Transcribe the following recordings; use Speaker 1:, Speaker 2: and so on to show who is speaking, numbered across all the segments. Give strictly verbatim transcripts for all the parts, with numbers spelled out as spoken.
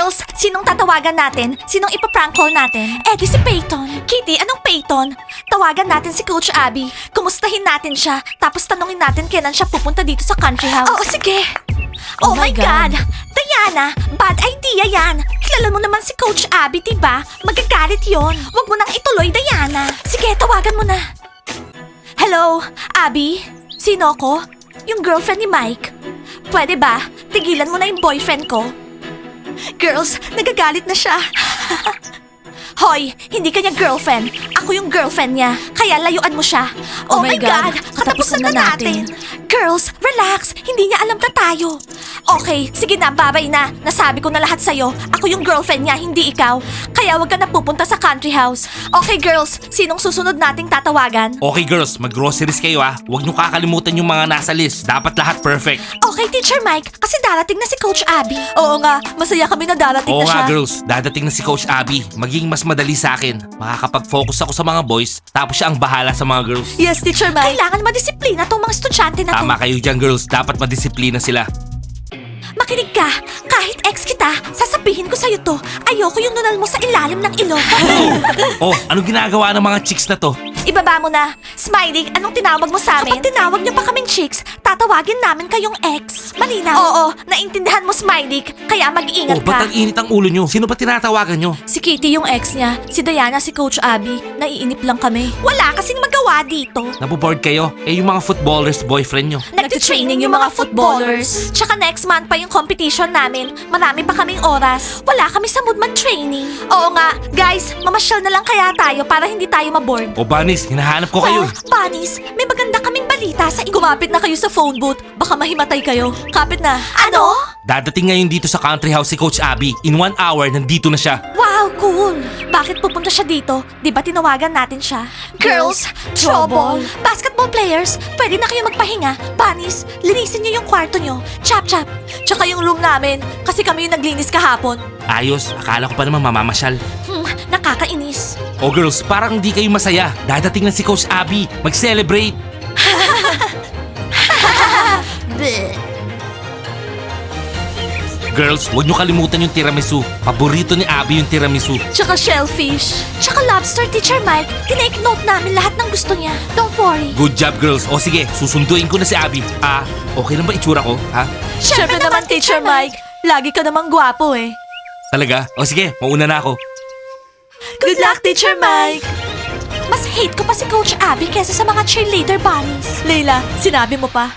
Speaker 1: Girls, sinong tatawagan natin? Sinong ipaprank call natin? Eh di si Peyton. Kitty, anong Peyton? Tawagan natin si Coach Abby. Kumustahin natin siya. Tapos tanungin natin kailan siya pupunta dito sa country house. Oo, sige. Oh, my God. Diana, bad idea yan. Kilala mo naman si Coach Abby, diba? Magagalit yon. Huwag mo nang ituloy, Diana. Sige, tawagan mo na. Hello, Abby? Sino ko? Yung girlfriend ni Mike. Pwede ba? Tigilan mo na yung boyfriend ko. Girls, nagagalit na siya. Hoy, hindi kanya girlfriend. Ako yung girlfriend niya. Kaya layuan mo siya. Oh, my God, katapusan na natin. Girls, relax. Hindi niya alam na tayo. Okay, sige na, babay na. Nasabi ko na lahat sa'yo. Ako yung girlfriend niya, hindi ikaw. Kaya wag ka na pupunta sa country house. Okay, girls, sinong susunod nating tatawagan?
Speaker 2: Okay girls, mag-groceries kayo ah. Huwag niyo kakalimutan yung mga nasa list. Dapat lahat perfect.
Speaker 1: Okay, Teacher Mike, kasi darating na si Coach Abby. Oo nga, masaya kami na darating
Speaker 2: Oo
Speaker 1: na siya.
Speaker 2: nga girls, dadating na si Coach Abby. Maging mas madali sa akin. Makakapag-focus ako sa mga boys, tapos siya ang bahala sa mga girls.
Speaker 1: Yes, Teacher Mike. Kailangan madisiplina tong mga estudyante na to.
Speaker 2: Tama kayo dyan girls, dapat madisiplina sila.
Speaker 1: Makinig ka, kahit ex kita, sasabihin ko sa'yo to. Ayoko yung nunal mo sa ilalim ng ilong.
Speaker 2: Oh, anong ginagawa ng mga chicks na to?
Speaker 1: Ibaba mo na. Smiley, anong tinawag mo sa amin? Kapag tinawag niyo pa kaming chicks, tatawagin namin kayong ex. Malinaw? Oo, naintindihan mo, Smiley. Kaya mag-iingat
Speaker 2: Oh, ba't
Speaker 1: ka.
Speaker 2: ang init ang ulo nyo? Sino ba tinatawagan nyo?
Speaker 1: Si Kitty yung ex niya, si Diana si Coach Abby. Naiinip lang kami. Wala kasing magawa dito.
Speaker 2: Naboboard kayo? Eh yung mga footballers boyfriend nyo.
Speaker 1: Nagtitraining yung mga footballers. Tsaka next month pa yung competition namin. Marami pa kaming oras. Wala kami sa mood mag-training. Oo nga, guys, mamasyal na lang kaya tayo para hindi tayo maboard.
Speaker 2: O Banis, hinahanap ko kayo.
Speaker 1: Well, Bunnies, may maganda kaming balita sa inyo. Kumapit na kayo sa phone booth. Baka mahimatay kayo. Kapit na. Ano?
Speaker 2: Dadating ngayon dito sa country house si Coach Abby. In one hour, nandito na siya.
Speaker 1: Wow, cool! Bakit pupunta siya dito? Di ba tinawagan natin siya? Girls, trouble! Basketball players, pwede na kayo magpahinga. Bunnies, linisin niyo yung kwarto niyo. Chap chap. Tsaka yung room namin, kasi kami yung naglinis kahapon.
Speaker 2: Ayos, akala ko pa naman mamamasyal.
Speaker 1: Hmm, nakakainis.
Speaker 2: Oh girls, parang hindi kayo masaya. Dadating na si Coach Abby. Mag-celebrate.
Speaker 1: Bleh.
Speaker 2: Girls, huwag niyo kalimutan yung tiramisu. Paborito ni Abby yung tiramisu.
Speaker 1: Tsaka shellfish. Tsaka lobster, Teacher Mike. Tinake note namin lahat ng gusto niya. Don't worry.
Speaker 2: Good job girls. O sige, susunduin ko na si Abby. Ah, okay lang ba itsura ko? Ha?
Speaker 1: Siyempre naman, Teacher Mike. Lagi ka namang gwapo eh.
Speaker 2: Talaga? O sige, mauna na ako.
Speaker 1: Good luck, Teacher Mike! Mas hate ko pa si Coach Abby kesa sa mga cheerleader bunnies. Leila, sinabi mo pa.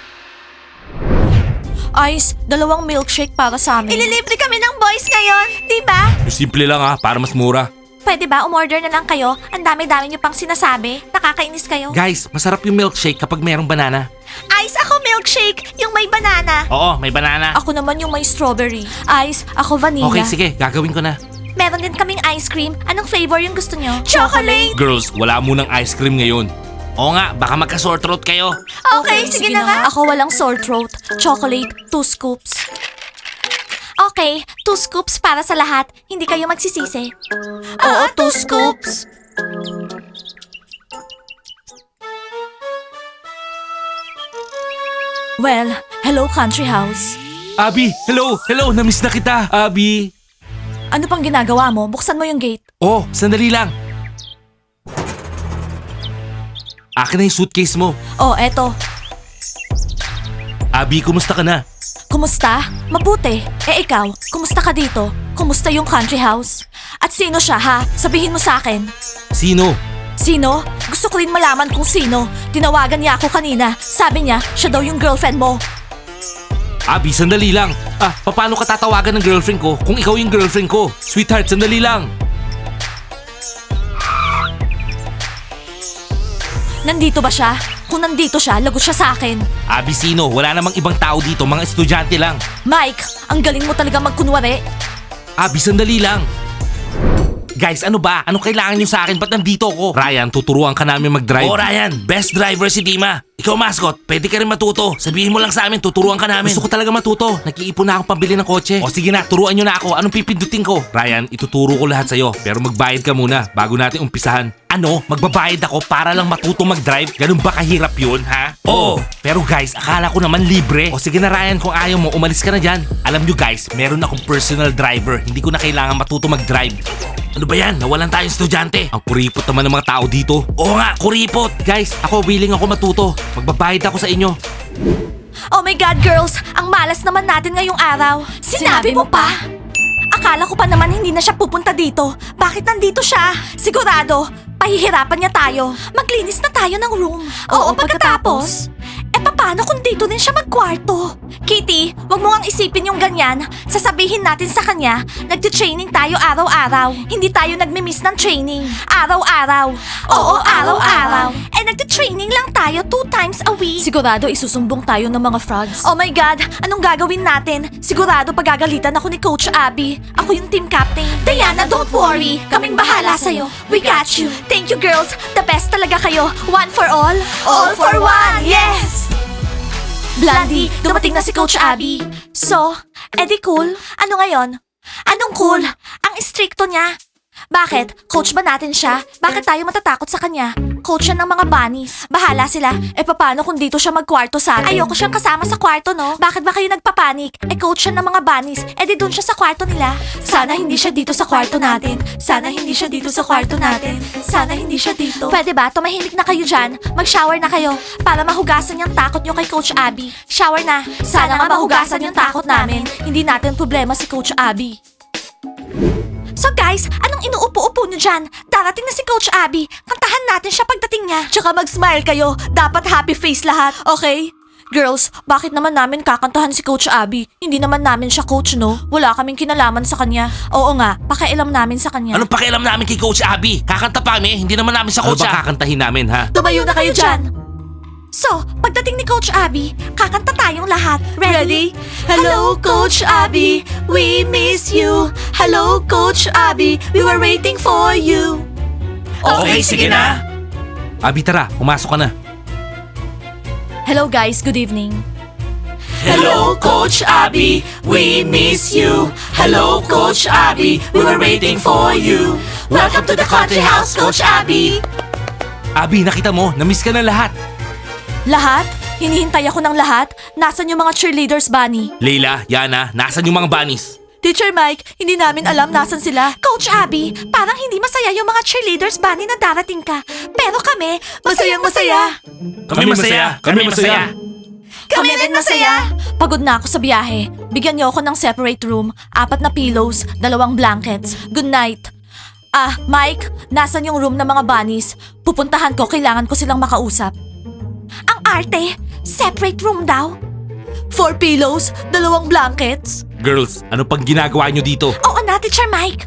Speaker 1: Ice, dalawang milkshake para sa amin. Ililibre kami ng boys ngayon, di ba?
Speaker 2: Yung simple lang ha, para mas mura.
Speaker 1: Pwede ba umorder na lang kayo? Ang dami-dami niyo pang sinasabi. Nakakainis kayo.
Speaker 2: Guys, masarap yung milkshake kapag merong banana.
Speaker 1: Ice, ako milkshake, yung may banana.
Speaker 2: Oo, may banana.
Speaker 1: Ako naman yung may strawberry. Ice, ako vanilla.
Speaker 2: Okay, sige, gagawin ko na.
Speaker 1: Meron din kaming ice cream. Anong flavor yung gusto niyo? Chocolate!
Speaker 2: Girls, wala munang ice cream ngayon. Oo nga, baka magka-sore throat kayo.
Speaker 1: Okay, sige, na nga. Ako walang sore throat. Chocolate, two scoops. Okay, two scoops para sa lahat. Hindi kayo magsisisi. Oo, two scoops. Well, hello country house.
Speaker 2: Abby, hello, hello, namiss na kita, Abby.
Speaker 1: Ano pang ginagawa mo? Buksan mo yung gate.
Speaker 2: Oh, sandali lang. Akin na yung suitcase mo.
Speaker 1: Oh, eto.
Speaker 2: Abby, kumusta ka na?
Speaker 1: Kumusta? Mabuti. Eh ikaw, kumusta ka dito? Kumusta yung country house? At sino siya ha? Sabihin mo sa akin.
Speaker 2: Sino?
Speaker 1: Sino? Gusto ko rin malaman kung sino. Tinawagan niya ako kanina. Sabi niya, siya daw yung girlfriend mo.
Speaker 2: Abby, sandali lang. Ah, paano ka tatawagan ng girlfriend ko kung ikaw yung girlfriend ko? Sweetheart, sandali lang.
Speaker 1: Nandito ba siya? Kung nandito siya, lagot siya sa akin.
Speaker 2: Abby, sino? Wala namang ibang tao dito, mga estudyante lang.
Speaker 1: Mike, ang galing mo talaga magkunwari.
Speaker 2: Abby, sandali lang. Guys, ano ba? Ano kailangan nyo sa akin? Ba't nandito ako? Ryan, tuturuan ka namin mag-drive. Oh, Ryan, best driver si Dima. Ikaw, mascot, pwede ka rin matuto. Sabihin mo lang sa amin, tuturuan ka namin. Gusto ko talaga matuto. Nag-iipon na akong pambili ng kotse. O sige na, turuan nyo na ako. Anong pipindutin ko? Ryan, ituturo ko lahat sa'yo. Pero magbayad ka muna bago natin umpisahan. Ano? Magbabayad ako para lang matuto mag-drive? Ganun ba kahirap yun, ha? Oo. Pero guys, akala ko naman libre. O sige na Ryan, kung ayaw mo, umalis ka na dyan. Alam nyo guys, meron akong personal driver. Hindi ko na kailangan matuto mag-drive. Ano ba yan? Nawalan tayong estudyante. Ang kuripot naman ng mga tao dito. Oo nga, kuripot. Guys, ako willing ako matuto. Magbabayad ako sa inyo.
Speaker 1: Oh my God, girls! Ang malas naman natin ngayong araw. Sinabi, mo pa? Akala ko pa naman hindi na siya pupunta dito. Bakit nandito siya? Sigurado, pahihirapan niya tayo. Maglinis na tayo ng room. Oo, pagkatapos. Eh paano kung dito din siya magkwarto? Kitty, wag mo ngang isipin yung ganyan. Sasabihin natin sa kanya, nagte-training tayo araw-araw. Hindi tayo nagmi-miss ng training. Araw-araw. Oo, araw-araw. Eh nagte-training lang tayo two times a week. Sigurado isusumbong tayo ng mga frogs. Oh my God, anong gagawin natin? Sigurado pagagalitan ako ni Coach Abby. Ako yung team captain. Diana, don't worry. Kaming bahala sa'yo. We got you. Thank you girls. The best talaga kayo. One for all. All for one. Yes! Blondie, dumating na si Coach Abby. So, edi cool? Ano ngayon? Anong cool? Ang istrikto niya. Bakit? Coach ba natin siya? Bakit tayo matatakot sa kanya? Coach siya ng mga bunnies. Bahala sila. E paano kung dito siya magkwarto sa atin? Ayoko siyang kasama sa kwarto, no? Bakit ba kayo nagpapanik? E coach siya ng mga bunnies. E di dun siya sa kwarto nila. Sana hindi siya dito sa kwarto natin. Sana hindi siya dito sa kwarto natin. Sana hindi siya dito. Pwede ba? Tumahimik na kayo dyan. Mag-shower na kayo para mahugasan yung takot nyo kay Coach Abby. Shower na. Sana nga mahugasan yung takot namin. Hindi natin problema si Coach Abby. So guys, anong inuupo-upo nyo dyan? Darating na si Coach Abby. Kantahan natin siya pagdating niya. Tsaka mag-smile kayo. Dapat happy face lahat, okay? Girls, bakit naman namin kakantahan si Coach Abby? Hindi naman namin siya coach, no? Wala kaming kinalaman sa kanya. Oo nga, pakialam namin sa kanya.
Speaker 2: Anong pakialam namin kay Coach Abby? Kakanta pa kami, hindi naman namin siya
Speaker 3: Ano
Speaker 2: coach.
Speaker 3: ba
Speaker 2: ah.
Speaker 3: kakantahin namin, ha?
Speaker 1: Tumayo na kayo dyan. So, pagdating ni Coach Abby, kakanta tayong lahat. Ready? Hello, Coach Abby. We miss you. Hello, Coach Abby. We were waiting for you.
Speaker 2: Okay, sige na. Abby, tara, pumasok ka na.
Speaker 1: Hello guys, good evening.
Speaker 2: Hello, Coach Abby. We miss you. Hello, Coach Abby. We were waiting for you.
Speaker 1: Welcome to the country house, Coach Abby.
Speaker 2: Abby, nakita mo, na-miss ka na lahat.
Speaker 1: Lahat? Hinihintay ako ng lahat? Nasaan yung mga cheerleaders, Bunny?
Speaker 2: Leila, Yana, nasan yung mga bunnies?
Speaker 1: Teacher Mike, hindi namin alam nasan sila. Coach Abby, parang hindi masaya yung mga cheerleaders, Bunny, na darating ka. Pero kami, masayang masaya.
Speaker 2: Kami masaya, kami masaya.
Speaker 1: Kami rin masaya. Pagod na ako sa biyahe. Bigyan niyo ako ng separate room, apat na pillows, dalawang blankets. Good night. Ah, Mike, nasan yung room ng mga bunnies? Pupuntahan ko, kailangan ko silang makausap. Ang arte, separate room daw. Four pillows, dalawang blankets.
Speaker 2: Girls, ano pang ginagawa nyo dito?
Speaker 1: Oo na, Teacher Mike.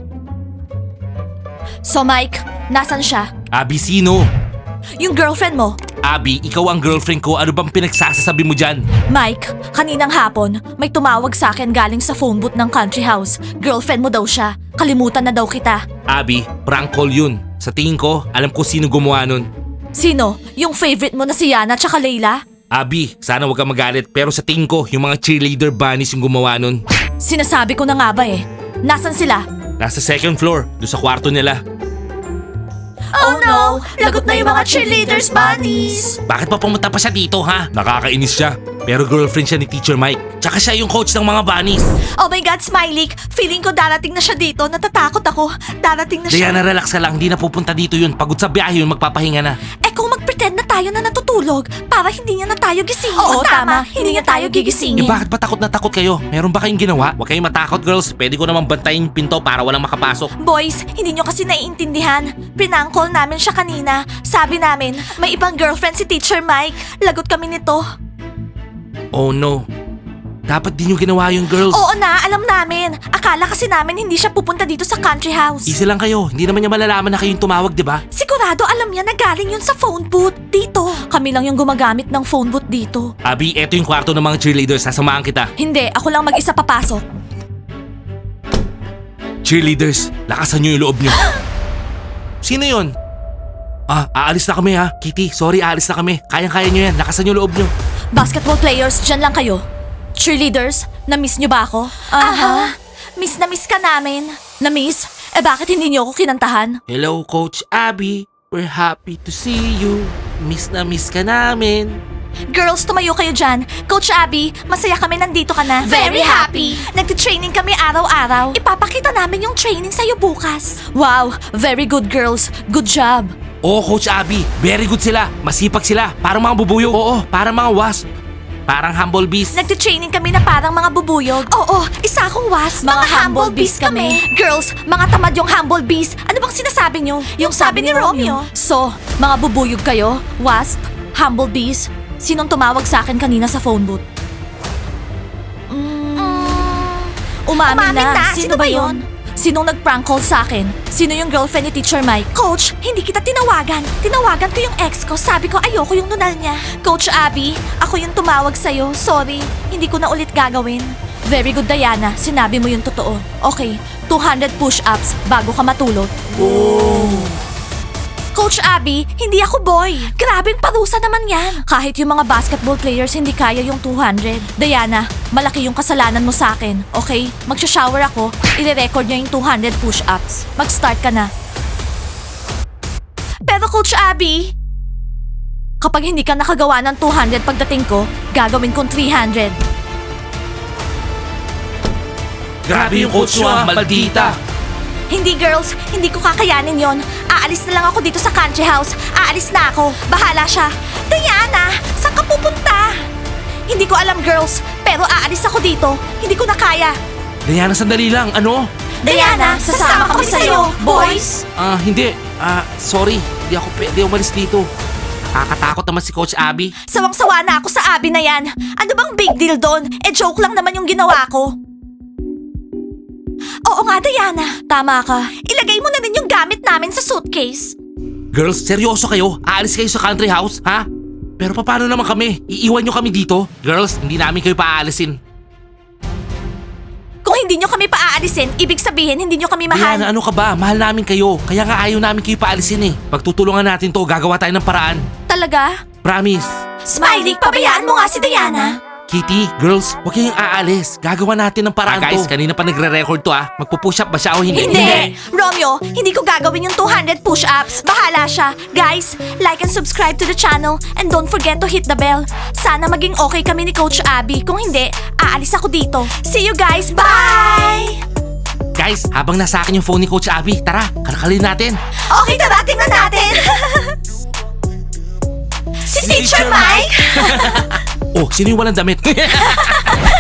Speaker 1: So Mike, nasan siya?
Speaker 2: Abby, sino?
Speaker 1: Yung girlfriend mo.
Speaker 2: Abby, ikaw ang girlfriend ko. Ano bang pinagsasasabi mo dyan?
Speaker 1: Mike, kaninang hapon, may tumawag sa akin galing sa phone booth ng country house. Girlfriend mo daw siya. Kalimutan na daw kita.
Speaker 2: Abby, prank call yun. Sa tingin ko, alam ko sino gumawa nun.
Speaker 1: Sino? Yung favorite mo na si Yana tsaka Layla?
Speaker 2: Abby, sana wag kang magalit pero sa tingin ko, yung mga cheerleader bunnies yung gumawa nun.
Speaker 1: Sinasabi ko na nga ba eh. Nasaan sila?
Speaker 2: Nasa second floor, doon sa kwarto nila.
Speaker 1: Oh no! Lagot na yung mga cheerleaders bunnies!
Speaker 2: Bakit pa pumunta pa siya dito, ha? Nakakainis siya. Pero girlfriend siya ni Teacher Mike. Tsaka siya yung coach ng mga bunnies.
Speaker 1: Oh my God, Smiley! Feeling ko darating na siya dito. Natatakot ako. Darating na siya.
Speaker 2: Diana, relax ka lang. Hindi na pupunta dito yun. Pagod sa biyahe yun, magpapahinga na.
Speaker 1: Eh kung mag-pretend na tayo na natutulog para hindi niya na tayo gisingin. Oo, tama. Hindi niya tayo
Speaker 2: Eh
Speaker 1: gigisingin.
Speaker 2: bakit ba takot na takot kayo? Meron ba kayong ginawa? Huwag kayong matakot, girls. Pwede ko naman bantayin yung pinto para walang makapasok.
Speaker 1: Boys, hindi nyo kasi naiintindihan. Prank call namin siya kanina. Sabi namin, may ibang girlfriend si Teacher Mike. Lagot kami nito.
Speaker 2: Oh no. Dapat din yung ginawa yung girls.
Speaker 1: Oo na, alam namin. Akala kasi namin hindi siya pupunta dito sa country house.
Speaker 2: Easy lang kayo. Hindi naman niya malalaman na kayong tumawag, di ba?
Speaker 1: Sigurado alam niya na galing yun sa phone booth dito. Kami lang yung gumagamit ng phone booth dito.
Speaker 2: Abby, eto yung kwarto ng mga cheerleaders. Sasamahan kita.
Speaker 1: Hindi, ako lang mag-isa papasok.
Speaker 2: Cheerleaders, lakasan nyo yung loob nyo. Sino yun? Ah, aalis na kami ha. Kitty, sorry, aalis na kami. Kayang-kaya nyo yan. Lakasan nyo yung loob nyo.
Speaker 1: Basketball players, dyan lang kayo. Cheerleaders, na-miss nyo ba ako? Aha. Miss na miss ka namin. Na-miss? Eh bakit hindi nyo ako kinantahan?
Speaker 2: Hello, Coach Abby. We're happy to see you. Miss na miss ka namin.
Speaker 1: Girls, tumayo kayo dyan. Coach Abby, masaya kami nandito ka na.
Speaker 3: Very happy.
Speaker 1: Nagtitraining kami araw-araw. Ipapakita namin yung training sa'yo bukas. Wow, very good girls. Good job.
Speaker 2: Oo, Coach Abby. Very good sila. Masipag sila. Parang mga bubuyog. Oo, parang mga wasp. Parang humble bees.
Speaker 1: Nagtitraining kami na parang mga bubuyog. Oo, isa akong wasp. Mga, humble bees kami. Girls, mga tamad yung humble bees. Ano bang sinasabi nyo? Yung, sabi, ni Romeo. So, mga bubuyog kayo? Wasp? Humble bees? Sinong tumawag sa akin kanina sa phone booth? Mm, umamin,
Speaker 3: Umamin
Speaker 1: na.
Speaker 3: na.
Speaker 1: Sino,
Speaker 3: Sino
Speaker 1: ba
Speaker 3: ba
Speaker 1: yon? Sinong nag-prank call sa akin? Sino yung girlfriend ni Teacher Mike? Coach, hindi kita tinawagan. Tinawagan ko yung ex ko. Sabi ko ayoko yung nunal niya. Coach Abby, ako yung tumawag sa'yo. Sorry, hindi ko na ulit gagawin. Very good, Diana. Sinabi mo yung totoo. Okay, two hundred push-ups bago ka matulog. Coach Abby, hindi ako boy. Grabing parusa naman yan. Kahit yung mga basketball players hindi kaya yung two hundred. Diana, malaki yung kasalanan mo sa akin. Okay? Magsha-shower ako, ire-record niya yung two hundred push-ups. Mag-start ka na. Pero Coach Abby, kapag hindi ka nakagawa ng two hundred pagdating ko, gagawin kong three hundred.
Speaker 2: Grabe yung coach nyo ah, maldita.
Speaker 1: Hindi girls, hindi ko kakayanin yon. Aalis na lang ako dito sa country house. Aalis na ako. Bahala siya. Diana, saan ka pupunta? Hindi ko alam girls, pero aalis ako dito. Hindi ko na kaya.
Speaker 2: Diana, sandali lang. Ano?
Speaker 1: Diana, sasama kami sa'yo, boys.
Speaker 2: Ah, hindi. Ah, sorry. Hindi ako pwede umalis dito. Nakakatakot naman si Coach Abby.
Speaker 1: Sawang-sawa na ako sa Abby na yan. Ano bang big deal doon? Eh joke lang naman yung ginawa ko. Oo nga, Diana. Tama ka. Ilagay mo na rin yung gamit namin sa suitcase.
Speaker 2: Girls, seryoso kayo? Aalis kayo sa country house, ha? Pero paano naman kami? Iiwan nyo kami dito? Girls, hindi namin kayo paaalisin.
Speaker 1: Kung hindi nyo kami paaalisin, ibig sabihin hindi nyo kami mahal.
Speaker 2: Diana, ano ka ba? Mahal namin kayo. Kaya nga ayaw namin kayo paalisin eh. Pagtutulungan natin to, gagawa tayo ng paraan.
Speaker 1: Talaga?
Speaker 2: Promise.
Speaker 1: Smiley, pabayaan mo nga si Diana.
Speaker 2: Kitty, girls, huwag kayong aalis. Gagawa natin ng paraan
Speaker 1: Ah,
Speaker 2: to.
Speaker 1: guys,
Speaker 2: kanina pa nagre-record to ah. Magpo-push up ba siya o hindi?
Speaker 1: Hindi! Romeo, hindi ko gagawin yung two hundred push-ups. Bahala siya. Guys, like and subscribe to the channel and don't forget to hit the bell. Sana maging okay kami ni Coach Abby. Kung hindi, aalis ako dito. See you guys! Bye!
Speaker 2: Guys, habang nasa akin yung phone ni Coach Abby, tara, karakalin natin.
Speaker 1: Okay, tara, tingnan natin! si Teacher Mike!
Speaker 2: Oh, sino yung walang damit?